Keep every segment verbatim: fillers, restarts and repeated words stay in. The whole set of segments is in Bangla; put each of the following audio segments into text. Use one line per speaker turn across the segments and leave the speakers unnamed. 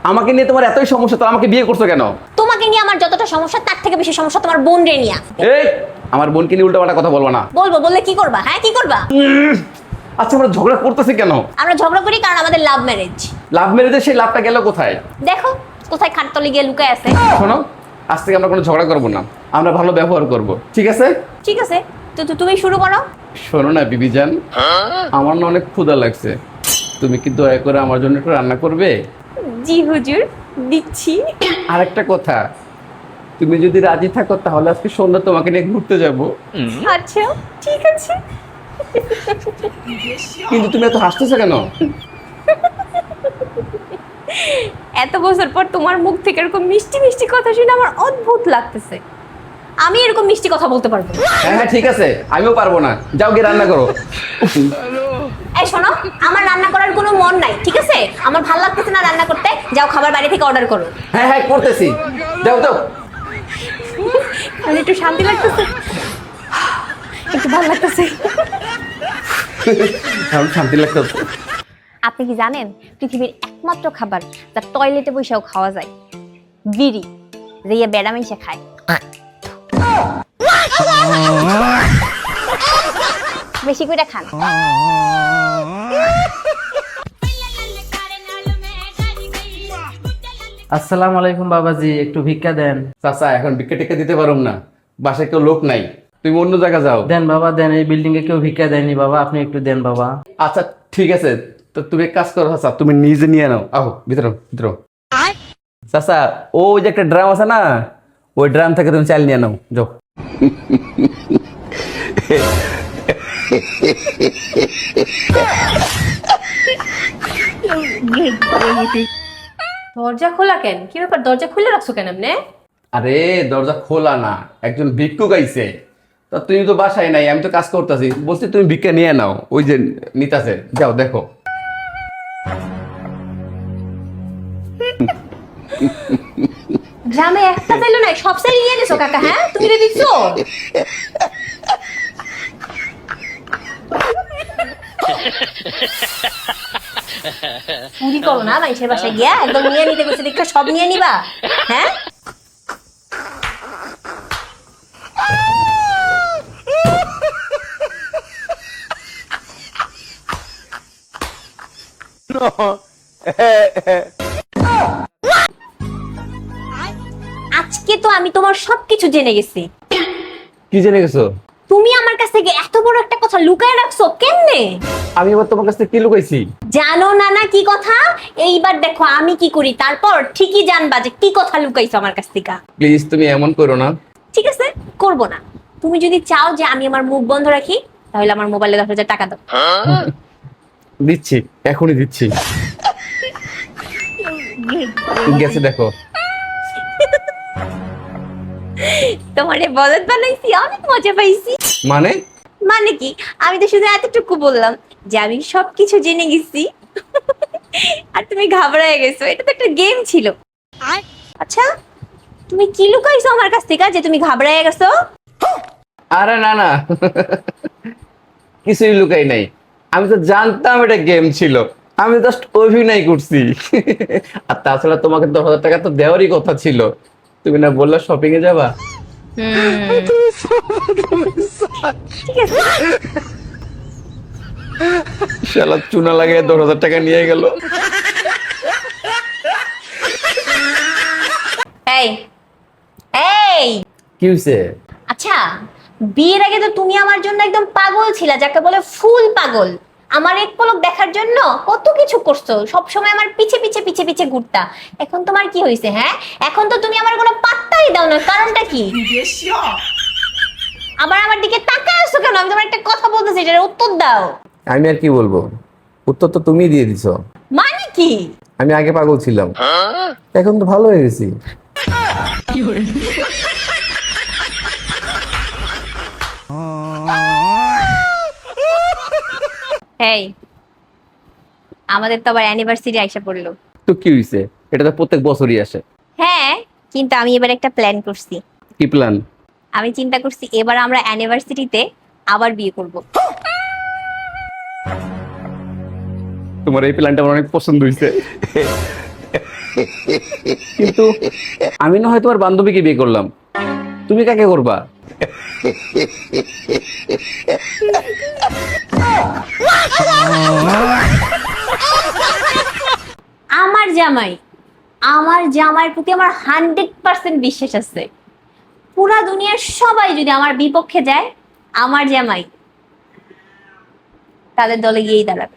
আমাকে নিয়ে তোমার এতই সমস্যা, তো আমাকে বিয়ে করছো কেন?
তোমাকে নিয়ে আমার যতটা সমস্যা তার থেকে বেশি সমস্যা তোমার বোন রে নিয়ে।
এই আমার বোনকে নিয়ে উল্টাপাল্টা কথা বলবো না।
বলবো, বললে কি করবা? হ্যাঁ কি করবা?
আচ্ছা আমরা ঝগড়া করতেছি কেন?
আমরা ঝগড়া করি কারণ আমাদের লাভ ম্যারেজ।
লাভ ম্যারেজে সেই লাভটা গেল কোথায়?
দেখো কোথায় খাটতলি গিয়ে লুকায় আছে।
শোনো, আজ থেকে আমরা কোনো ঝগড়া করবো না, আমরা ভালো ব্যবহার করব, ঠিক আছে?
ঠিক আছে, তো তো তুমি শুরু করো।
শোনো না বিবিজান, আমার না অনেক ক্ষুধা লাগছে, তুমি কি দয়া করে আমার জন্য একটু রান্না করবে?
জি হুজুর, দিচ্ছি।
আর একটা কথা, তুমি যদি রাজি থাকো তাহলে আজকে সন্ধ্যা তোমাকে নিয়ে ঘুরতে যাব।
আচ্ছা ঠিক আছে।
কিন্তু তুমি এত হাসতেছো কেন?
এত বছর পর তোমার মুখ থেকে এরকম মিষ্টি মিষ্টি কথা শুনে আমার অদ্ভুত লাগতেছে। আমি এরকম মিষ্টি কথা বলতে পারবো না।
হ্যাঁ হ্যাঁ ঠিক আছে, আমিও পারবো না, যাও গিয়ে রান্না করো।
এই শোনো, আমার রান্না করার কোনো মন নাই, ঠিক আছে? আমার ভালো লাগতেছে না রান্না করতে, যাও খাবার বাইরে থেকে অর্ডার করো।
হ্যাঁ হ্যাঁ করতেছি, যাও যাও।
মানে একটু শান্তি লাগতেছে, একটু ভালো লাগতেছে।
এখন শান্তি লাগতেছে।
আপনি কি জানেন পৃথিবীর একমাত্র খাবার যা টয়লেটে বসেও খাওয়া যায়? বিড়ি, যে বেড়া মিশে খায়। বেশি করে খান।
আসসালামু আলাইকুম বাবাজি, একটু ভিক্ষা দেন।
চাচা এখন ভিক্ষা টিক্ষা দিতে পারুম না, বাসায় কেউ লোক নাই, তুমি অন্য জায়গা যাও।
দেন বাবা দেন, এই বিল্ডিং এ কেউ ভিক্ষা দেয়নি বাবা, আপনি একটু দেন বাবা।
আচ্ছা ঠিক আছে, তো তুমি এক কাজ করো চাচা, তুমি নিজে নিয়ে নাও, আহো ভিতরে ভিতরে। চাচা ওই যে একটা ড্রাম আছে না, ওই ড্রাম থেকে তুমি চাল নিয়ে নাও, যাও।
দরজা খোলা কেন? কি ব্যাপার, দরজা খুলে রাখছো কেন এমনে?
আরে দরজা খোলা না, একজন ভিক্ষুক আইছে, তা তুমি তো বাসায় নাই, আমি তো কাজ করতেছি, বলছি তুমি ভিক্ষা নিয়ে নাও, ওই যে নিতাছে, যাও দেখো।
গ্রামে একটা চাইলো না, সব চাইল নিয়ে নিছো কাকা। হ্যাঁ তুমি রে দিচ্ছো?
চুরি করো না মানুষের বাসায় গিয়া, একদম নিয়ে নিতে গেছে দেখে সব নিয়ে নিবা। হ্যাঁ আজকে তো আমি তোমার সবকিছু জেনে গেছি।
কি জেনে গেছো?
তুমি আমার কাছ থেকে এত বড় একটা কথা লুকায় রাখছো কেমনে?
আমি এবার তোমার কাছ থেকে কি লুকাইছি?
জানো না না কি কথা? এইবার দেখো আমি কি করি, তারপর ঠিকই জানবা যে কি কথা লুকাইছো আমার কাছ থেকে।
প্লিজ তুমি এমন করো না।
ঠিক আছে, করব না। তুমি যদি চাও যে আমি আমার মুখ বন্ধ রাখি, তাহলে আমার মোবাইলে দশ হাজার টাকা দাও।
দিচ্ছি, এখনই দিচ্ছি। গেছে দেখো।
তোমারে বলদ বানাইছি, অনেক মজা পাইছি।
মানে?
মানে কি, আমি তো শুধু এতটুকু বললাম যে আমি সবকিছু জেনে গেছি। আর তুমি ঘাবড়ায় গেছো, এটা তো একটা গেম ছিল। আচ্ছা তুমি কি লুকাইছো আমার কাছ থেকে যে তুমি ঘাবড়ায় গেছো?
আরে না না, কিছুই লুকাই নাই, আমি তো জানতাম এটা গেম ছিল, আমি জাস্ট অভিনয় করছি। আর তাছাড়া তোমাকে দশ হাজার টাকা তো দেওয়ারই কথা ছিল, তুমি না বললে শপিং এ যাবা।
ঠিক আছে,
শালা চুনা লাগিয়ে দশ হাজার টাকা নিয়ে গেল।
এই এই
কি হয়েছে?
আচ্ছা বিয়ের আগে তো তুমি আমার জন্য একদম পাগল ছিলা, যাকে বলে ফুল পাগল। আমার এক পলক দেখার জন্য কত কিছু করছো, সব সময় আমার পিছে পিছে পিছে পিছে ঘুরতা। এখন তোমার কি হয়েছে? হ্যাঁ এখন তো তুমি আমার কোনো পাত্তাই দাও না, কারণটা কি? আবার আমার দিকে তাকায় আছো কেন? আমি তোমার একটা কথা বলতেছি, এটার উত্তর দাও।
আমি আর কি বলবো, উত্তর তো তুমি দিয়ে দিছো।
মানে কি?
আমি আগে পাগল ছিলাম, এখন তো ভালো হয়ে গেছি।
এই আমাদের তো আবার অ্যানিভার্সারি আইসা পড়লো।
তো কি হয়েছে, এটা তো প্রত্যেক বছরই আসে।
হ্যাঁ কিন্তু আমি এবার একটা প্ল্যান করছি।
কি প্ল্যান?
আমি চিন্তা করছি এবার আমরা অ্যানিভার্সারিতে আবার বিয়ে করব।
তোমার এই প্ল্যানটা আমার অনেক পছন্দ হয়েছে। কিন্তু আমি না হয় তোমার বান্ধবীকে বিয়ে করলাম, তুমি কাকে করবা?
আমার জামাই, আমার জামাইয়ের প্রতি আমার হান্ড্রেড পার্সেন্ট বিশ্বাস আছে। পুরা দুনিয়ার সবাই যদি আমার বিপক্ষে যায়, আমার জামাই তাদের দলে গিয়েই দাঁড়াবে।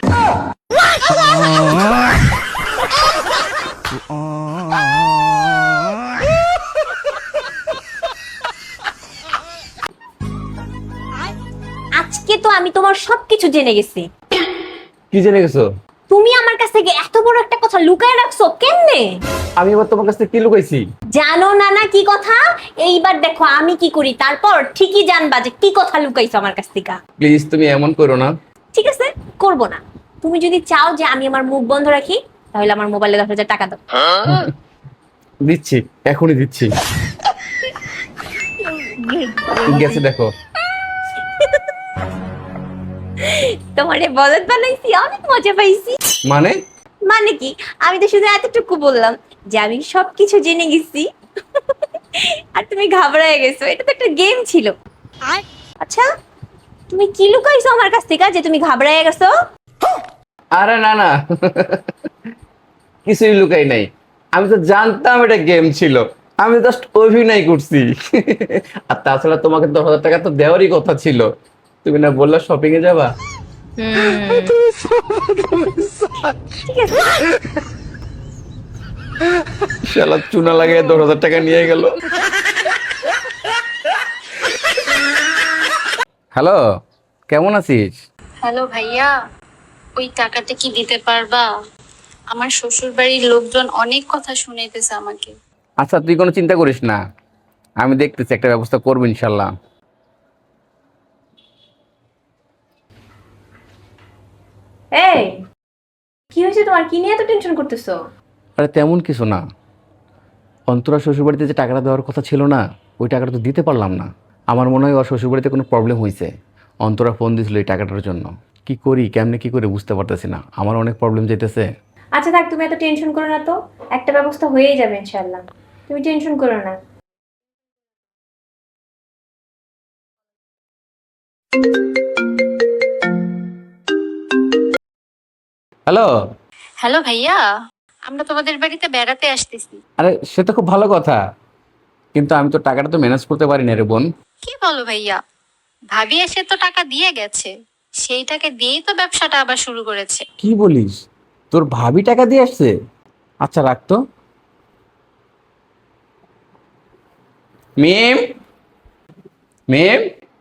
আজকে তো আমি তোমার সবকিছু জেনে গেছি।
কি জেনে গেছো?
তুমি আমার কাছ থেকে এত বড় একটা কথা লুকায় রাখছো কেমনে?
আমি এবার তোমার কাছ থেকে কি লুকাইছি?
জানো না না কি কথা? এইবার দেখো আমি কি করি, তারপর ঠিকই জানবা যে কি কথা লুকাইছো আমার কাছ থেকে।
প্লিজ তুমি এমন করো না।
ঠিক আছে, করব না। তুমি যদি চাও যে আমি আমার মুখ বন্ধ রাখি, তাহলে আমার মোবাইলে দশ হাজার টাকা দাও।
দিচ্ছি, এখনই দিচ্ছি। গেছে দেখো।
তোমারে বলদ বানাইছি, অনেক মজা পাইছি।
মানে?
মানে কি, আমি তো শুধু এতটুকু বললাম যে আমি সবকিছু জেনে গেছি আর তুমি ঘাবড়ায় গেছো। এটা তো একটা গেম ছিল। আচ্ছা, তুমি কি লুকাইছো আমার কাছ থেকে যে তুমি ঘাবড়ায় গেছো?
আরে না না, কিছুই লুকাই নাই। আমি তো জানতাম এটা গেম ছিল, আমি জাস্ট অভিনয় করছি। আর তাছাড়া তোমাকে দশ হাজার টাকা তো দেওয়ারই কথা ছিল, তুমি না বললা শপিং এ যাবা?
ঠিক আছে।
শালা চুনা লাগিয়ে দশ হাজার টাকা নিয়ে গেল। হ্যালো, কেমন আছিস?
হ্যালো ভাইয়া, ওই টাকাটা কি দিতে পারবা? আমার শ্বশুর বাড়ির লোকজন অনেক কথা শুনাইতেছে আমাকে।
আচ্ছা তুই কোনো চিন্তা করিস না, আমি দেখতেছি একটা ব্যবস্থা করবো ইনশাল্লাহ।
এই, কি হয়েছে তোমার? কি নিয়ে এত টেনশন করতেছো?
আরে তেমন কিছু না, অন্তরা শ্বশুরবাড়িতে যে টাকাটা দেওয়ার কথা ছিল না, ওই টাকাটা তো দিতে পারলাম না। আমার মনে হয় ওর শ্বশুরবাড়িতে কোনো প্রবলেম হয়েছে। অন্তরা ফোন দিয়েছিল এই টাকাটার জন্য। কি করি, কেমনে কি করে বুঝতে পারতেছি না, আমার অনেক প্রবলেম যেতেছে।
আচ্ছা থাক, তুমি এত টেনশন করো না তো, একটা ব্যবস্থা হয়েই যাবে ইনশাআল্লাহ। তুমি টেনশন করো না।
হ্যালো।
হ্যালো ভাইয়া, আমরা তোমাদের বাড়িতে বেড়াতে আসতেছি।
আরে সে তো খুব ভালো কথা, কিন্তু আমি তো টাকাটা তো ম্যানেজ করতে পারি না রে বোন।
কি বলো ভাইয়া? ভাবি এসে তো টাকা দিয়ে গেছে, সেই টাকা দিয়েই তো ব্যবসাটা আবার শুরু করেছে।
কি বলিস, তোর ভাবি টাকা দিয়ে আসছে? আচ্ছা রাখতো। মেম, মেম,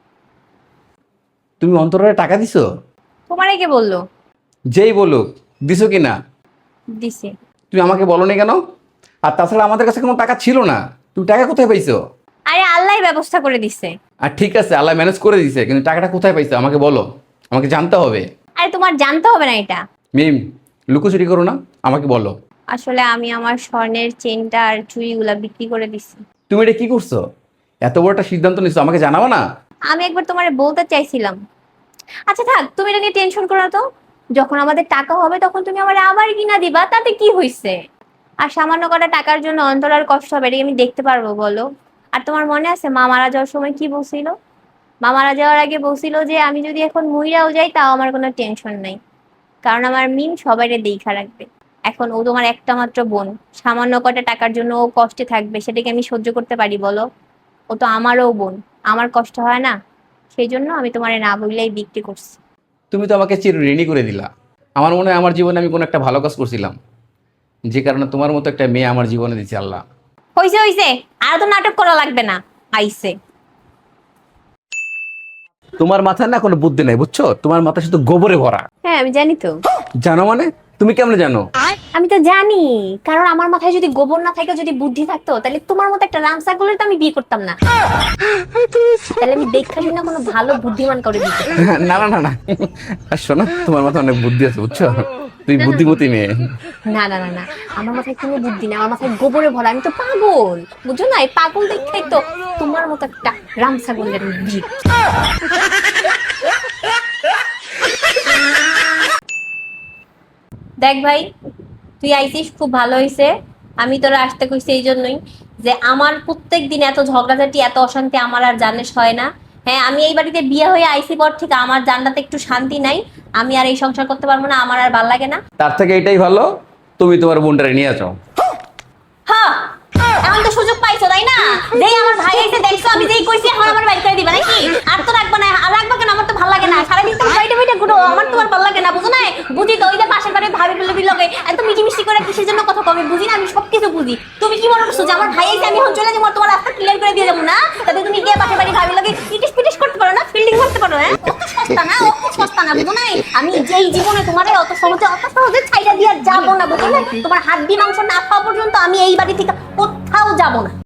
তুমি অন্তরারে টাকা দিছো?
তোমারে কে বললো?
যেই বলুক, দিছো কি না?
দিছি।
তুমি আমাকে বলো নি কেন? আর তাছাড়া আমাদের কাছে কোনো টাকা ছিল না, তুমি টাকা কোথায় পাইছো?
আরে আল্লাহই ব্যবস্থা করে দিছে।
আর ঠিক আছে, আল্লাহ ম্যানেজ করে দিছে, কিন্তু টাকাটা কোথায় পাইছো আমাকে বলো, আমাকে জানতে হবে।
আরে তোমার জানতে হবে না এটা।
মিম, লুকোচুরি করো না, আমাকে বলো।
আসলে আমি আমার স্বর্ণের চেনটা আর চুড়িগুলা বিক্রি করে দিছি।
তুমি এটা কি করছো? এত বড় একটা সিদ্ধান্ত নিচ্ছ, আমাকে জানাবো না?
আমি একবার তোমারে বলতে চাইছিলাম। আচ্ছা থাক, তুমি এটা নিয়ে টেনশন করো না তো। যখন আমাদের টাকা হবে তখন তুমি আমার আবার কিনা দিবা, তাতে কি হইছে? আর সামান্য কটা টাকার জন্য অন্তরার কষ্ট হবে, এটা কি আমি দেখতে পারবো বলো? আর তোমার মনে আছে মা মারা যাওয়ার সময় কি বলছিল? মা মারা যাওয়ার আগে বলছিল যে আমি যদি এখন মইরাও যাই তাও আমার কোনো টেনশন নাই, কারণ আমার মিম সবাইরে দেখা রাখবে। এখন ও তোমার একটা মাত্র বোন, সামান্য কটা টাকার জন্য ও কষ্টে থাকবে, সেটাকে আমি সহ্য করতে পারি বলো? ও তো আমারও বোন, আমার কষ্ট হয় না? সেই জন্য আমি তোমারে না বললেই বিক্রি করছি।
তুমি তো আমাকে চির ঋণী করে দিলা। আমার মনে হয় আমার জীবনে আমি কোনো একটা ভালো কাজ করছিলাম, যে কারণে তোমার মতো একটা মেয়ে আমার জীবনে দিচ্ছে আল্লাহ।
হইছে হইছে, আর তো নাটক করা লাগবে না। আইছে।
তোমার মাথায় না কোনো বুদ্ধি নাই, বুঝছো? তোমার মাথা শুধু গোবরে ভরা।
হ্যাঁ আমি জানি তো।
জানো মানে? তুমি কেমনে জানো?
আমি তো জানি, কারণ আমার মাথায় যদি গোবর না থাকে, যদি বুদ্ধি থাকতো, তাহলে তোমার মতো একটা রামসা করলে তো আমি বিয়ে করতাম না। তাহলে আমি দেখা না কোনো ভালো বুদ্ধিমান করে দিতে।
না না না না, আর শোনো, তোমার মাথায় অনেক বুদ্ধি আছে, বুঝছো? তুই বুদ্ধিমতী মেয়ে।
না না না না, আমার মাথায় কোনো বুদ্ধি না, আমার মাথায় গোবরে ভরা। আমি তো পাগল, বুঝছো না? এই পাগল দেখতেই তো তোমার মতো একটা রামসা করলে আমি বিয়ে। দেখ ভাই, তুই আইছিস, খুব ভালো হইছে। আমি তোরা আসতে কইছি এই জন্যই যে আমার প্রত্যেক দিন এত ঝগড়াঝাটি এত অশান্তি আমার আর জানিস হয় না। হ্যাঁ, আমি এই বাড়িতে বিয়ে হয়ে আইসি পর থেকে আমার জানটাতে একটু শান্তি নাই। আমি আর এই সংসার করতে পারবো না, আমার আর ভাল লাগে না।
তার থেকে এটাই ভালো, তুমি তোমার বোনটারে নিয়ে যাও।
হ্যাঁ, এখন তো সুযোগ পাইছো তাই না? যেই আমার ভাই এসে দেখছো আমি যেই কইছি এখন আমার বাইক করে দিবা নাকি? আর তো রাখবা না, আর রাখবা কেন? আমার তো ভালো লাগে না, সারাদিন তো বাইরে বাইরে ঘুরো, আমার তো আর ভালো লাগে না, বুঝো না? বুঝি তো, ওই যে পাশের বাড়ির ভাবি বলে বিলগে এত মিটি মিষ্টি করে কিসের জন্য কথা কবে বুঝি না, আমি সবকিছু বুঝি। তুমি কি মনে করছো যে আমার ভাই এসে আমি এখন চলে যাবো, তোমার রাস্তা ক্লিয়ার করে দিয়ে যাবো না? তাতে তুমি গিয়ে পাশের বাড়ির ভাবি লগে ইটিস পিটিস করতে পারো না, ফিল্ডিং করতে পারো না? অত সস্তা না, অত সস্তা না, বুঝো না? আমি যেই জীবনে তোমার অত সহজে অত সহজে ছাইড়া দিয়ে যাবো না, বুঝো না? তোমার হাত দিয়ে মাংস না খাওয়া পর্যন্ত আমি এই বাড়ি থেকে কোথাও যাবো না।